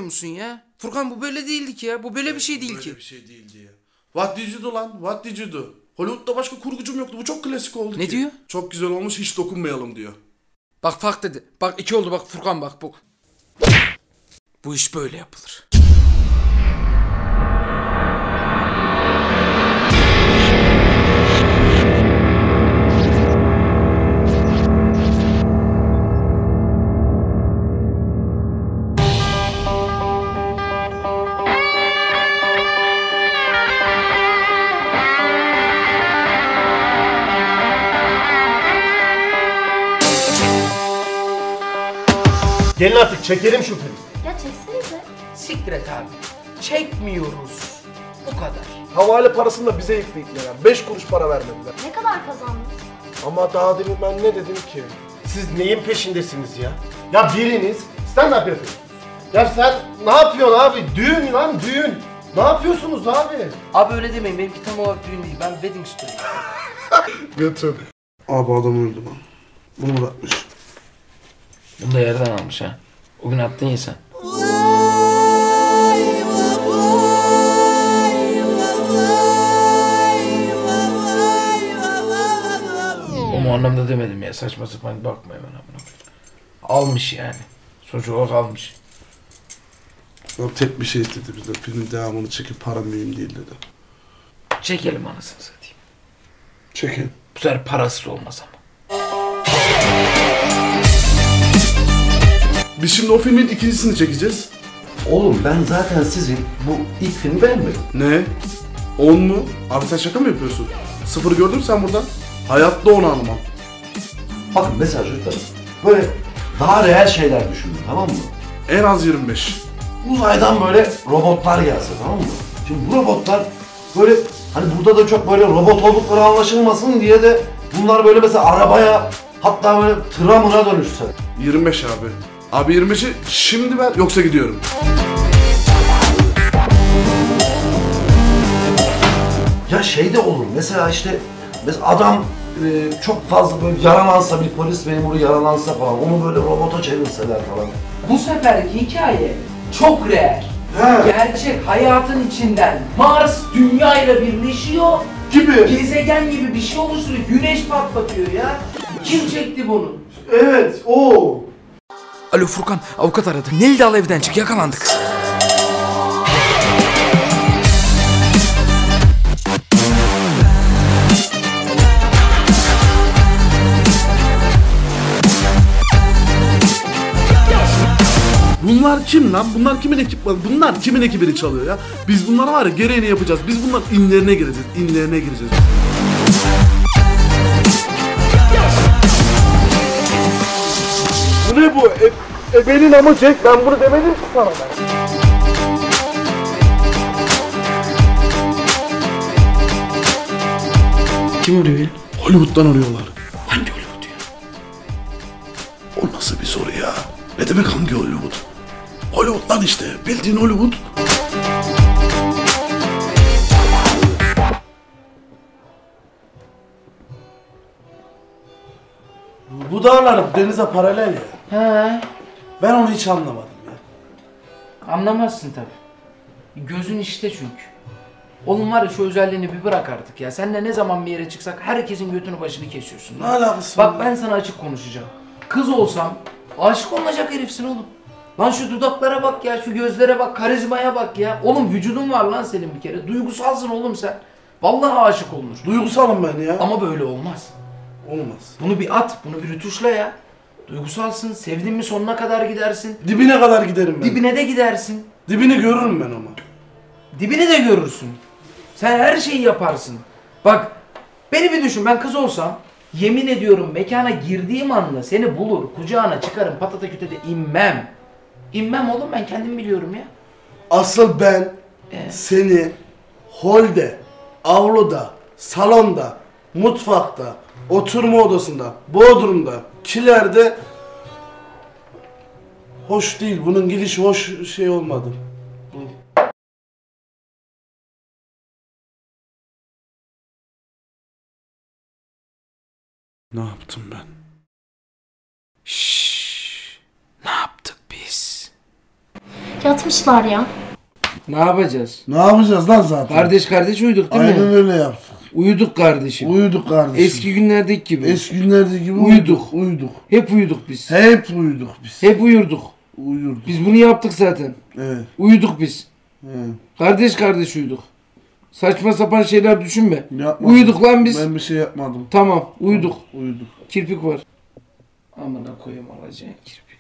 musun ya? Furkan bu böyle değildi ki ya. Bu böyle bir şey değil ki. Böyle bir şey değildi ya. What did you do lan? What did you do? Hollywood'da başka kurgucum yoktu. Bu çok klasik oldu ki. Ne diyor? Çok güzel olmuş, hiç dokunmayalım diyor. Bak fark dedi. Bak 2 oldu bak Furkan bak bu. Bu iş böyle yapılır. Gelin artık çekelim şu filmi. Ya çeksenize. Siktir et abi. Çekmiyoruz. Bu kadar. Havale parasını da bize yükleyecekler. 5 kuruş para vermediler. Ne kadar kazandınız? Ama daha demin ben ne dedim ki? Siz neyin peşindesiniz ya? Ya biriniz stand-up yapıyorsunuz. Ya sen ne yapıyorsun abi? Düğün lan düğün. Ne yapıyorsunuz abi? Abi öyle demeyin. Benimki tam olarak düğün değil. Ben wedding story. Götür. Abi adam öldü lan. Bunu bırakmış. Bunu da yerden almış ha. O gün attın ya sen. O anlamda demedim ya. Saçma sapan bakma hemen amına. Almış yani. Sonuç olarak almış. O tek bir şey istedi bizden. Filmin devamını çekip para mühim değil dedi. Çekelim anasını satayım. Çekin. Bu sefer parasız olmaz ama. Biz şimdi o filmin ikincisini çekeceğiz. Oğlum ben zaten sizin bu ilk filmi beğenmedim. Ne? 10 mu? Abi sen şaka mı yapıyorsun? 0 gördün mü sen buradan? Hayatta onu almam. Bakın mesela çocuklarım, böyle daha reel şeyler düşünün, tamam mı? En az 25. Uzaydan böyle robotlar gelse, tamam mı? Şimdi bu robotlar böyle, hani burada da çok böyle robot oldukları anlaşılmasın diye de bunlar böyle mesela arabaya, hatta böyle tıra mıra dönüşse. 25 abi. Abi 25'i şimdi ver yoksa gidiyorum. Ya şey de olur, mesela işte adam çok fazla böyle yaralansa, bir polis memuru yaralansa falan, onu böyle robota çevirseler falan. Bu seferki hikaye çok real. Gerçek hayatın içinden Mars Dünya ile birleşiyor. Gibi. Gezegen gibi bir şey oluşturuyor. Güneş patlatıyor ya. Kim çekti bunu? Evet o. Alo Furkan, avukat aradı. Nil'i de al evden çık, yakalandık. Bunlar kim lan? Bunlar kimin ekipmanı? Bunlar kimin ekibini çalıyor ya? Biz bunlara var ya gereğini yapacağız. Biz bunların inlerine gireceğiz. İnlerine gireceğiz. Bu ne bu? Benim ama Jack, ben bunu demedim ki sana ben. Kim arıyor ya? Hollywood'dan arıyorlar. Hangi Hollywood ya? O nasıl bir soru ya? Ne demek hangi Hollywood? Hollywood lan işte. Bildiğin Hollywood. Bu dağlar denize paralel ya. He. Ben onu hiç anlamadım ya. Anlamazsın tabii. Gözün işte çünkü. Oğlum var ya şu özelliğini bir bırak artık ya. Seninle ne zaman bir yere çıksak herkesin götünü başını kesiyorsun. Ne alakası Bak var? ben sana açık konuşacağım. Kız olsam aşık olacak herifsin oğlum. Lan şu dudaklara bak ya, şu gözlere bak, karizmaya bak ya. Oğlum vücudun var lan senin bir kere. Duygusalsın oğlum sen. Vallahi aşık olunur. Duygusalım ben ya. Ama böyle olmaz. Olmaz. Bunu bir at, bunu bir rütuşla ya. Duygusalsın, sevdin mi sonuna kadar gidersin. Dibine kadar giderim ben. Dibine de gidersin. Dibini görürüm ben ama. Dibini de görürsün. Sen her şeyi yaparsın. Bak, beni bir düşün, ben kız olsam, yemin ediyorum mekana girdiğim anda seni bulur, kucağına çıkarım, patata kütede inmem. İnmem oğlum, ben kendim biliyorum ya. Asıl ben seni holde, avluda, salonda, mutfakta, oturma odasında, bodrumda, kilerde hoş değil. Bunun gidişi hoş şey olmadı. Ne yaptım ben? Şşş. Ne yaptık biz? Yatmışlar ya. Ne yapacağız? Ne yapacağız lan zaten? Kardeş kardeş uyuduk değil Aynen mi? öyle yaptık. Uyuduk kardeşim. Uyuduk kardeşim. Eski günlerdeki gibi. Eski günlerdeki gibi Uyuduk. Uyuduk. Hep uyuduk biz. Hep uyuduk biz. Hep uyurduk. Uyurduk. Biz bunu yaptık zaten. Evet. Uyuduk biz. Evet. Kardeş kardeş uyuduk. Saçma sapan şeyler düşünme. Yapmadım. Uyuduk lan biz. Ben bir şey yapmadım. Tamam uyuduk. Uyuduk. Kirpik var. Amına koyayım alacağın kirpik.